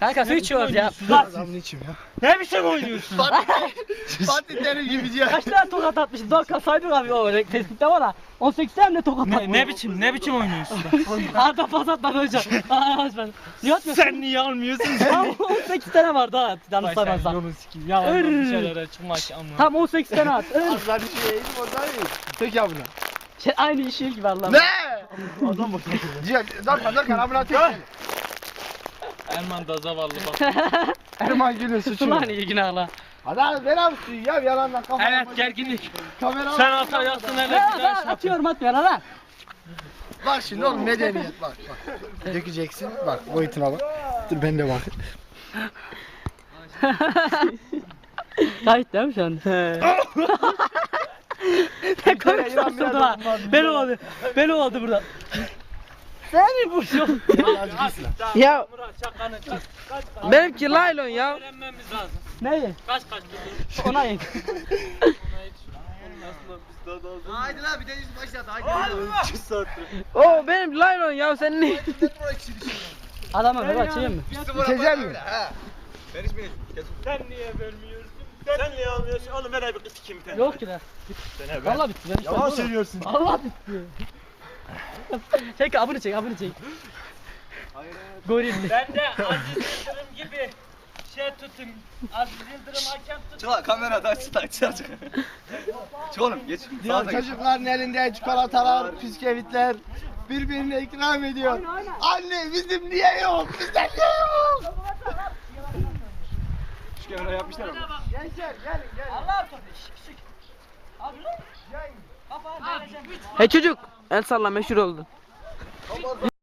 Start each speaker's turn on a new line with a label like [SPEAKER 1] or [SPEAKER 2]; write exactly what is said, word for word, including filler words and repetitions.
[SPEAKER 1] Kanka su içiyoruz ya.
[SPEAKER 2] Adamın içim ya.
[SPEAKER 3] Ne biçim oynuyorsun?
[SPEAKER 2] Fatih Terim gibi diyor.
[SPEAKER 1] Kaç tane tokat atmışız? Doğru saydık abi o tespitte var ha. on sekiz tane tokat
[SPEAKER 3] Ne,
[SPEAKER 1] atmışız.
[SPEAKER 3] ne biçim ne biçim oynuyorsun?
[SPEAKER 1] Arda pas atmadı hocam. Aa ben. Niye atmıyorsun?
[SPEAKER 3] Sen niye almıyorsun?
[SPEAKER 1] Tam on sekiz tane var daha. Yanlış
[SPEAKER 3] Vay sen
[SPEAKER 1] saymazsam.
[SPEAKER 3] yolun sikiyim. Ya ondan bir şeylere çıkmak ama.
[SPEAKER 1] Tam on sekiz tane at. Ör.
[SPEAKER 2] Azlar bir şey yiyeyim oradan yiyeyim. Tek ya buna.
[SPEAKER 1] Şey, aynı işi gibi Allah'ım.
[SPEAKER 2] Ne? Adam bak. Ciğer, zarkan zarkan abuna tek gel.
[SPEAKER 3] Erman da zavallı bak.
[SPEAKER 2] Erman Gül'ün suçu.
[SPEAKER 1] Ulan iyi günahla.
[SPEAKER 2] Hadi abi ver abi suyu ya yalandan kafana.
[SPEAKER 3] Evet gerginlik.
[SPEAKER 2] Kamera
[SPEAKER 3] Sen ata yatsın hele
[SPEAKER 1] Ya
[SPEAKER 3] bir daha
[SPEAKER 1] ben
[SPEAKER 3] şey
[SPEAKER 1] atıyorum atmıyor lan.
[SPEAKER 2] Bak şimdi oğlum medeniyet bak bak. Dökeceksin bak boyutuna bak. Dur ben de bak.
[SPEAKER 1] Kayıt değil mi şu an? Ne komik sarsıldı ha. Ben oldu. Ben oldu burada. Seni bu şu.
[SPEAKER 4] Ya
[SPEAKER 3] Murat şakanı çek. Kaç kaç.
[SPEAKER 4] benimki laylon ya.
[SPEAKER 3] Öğrenmemiz lazım.
[SPEAKER 1] Neyi?
[SPEAKER 3] Kaç kaç.
[SPEAKER 1] Ona in.
[SPEAKER 2] Haydi lan bir de yüz başlat haydi.
[SPEAKER 4] O benim laylon ya sen ne?
[SPEAKER 1] Adamı ver açayım mı?
[SPEAKER 2] İçecek mi?
[SPEAKER 3] Sen niye vermiyorsun? Sen niye almıyorsun? Oğlum ver bir kız kim bir tane.
[SPEAKER 1] Yok ki de. Valla bitti. Ben
[SPEAKER 2] Yalan söylüyorsun.
[SPEAKER 1] Allah bitti. Çek abını çek abını çek. Gorilli.
[SPEAKER 3] Ben de Aziz Yıldırım gibi şey tutayım. Aziz Yıldırım hakem tutayım.
[SPEAKER 5] Çık lan kamerada aç aç aç. Çık oğlum geç.
[SPEAKER 2] Ya
[SPEAKER 5] Sağa geç.
[SPEAKER 2] çocukların elinde çikolatalar, bisküvitler birbirine ikram ediyor. Anne bizim niye yok? Bizden niye yok?
[SPEAKER 5] Şu kamera yapmışlar ama.
[SPEAKER 2] Gençler gelin gelin.
[SPEAKER 1] Allah topu. Şık şık. Abi lan. Kafa vereceğim.
[SPEAKER 4] He çocuk el salla meşhur oldun.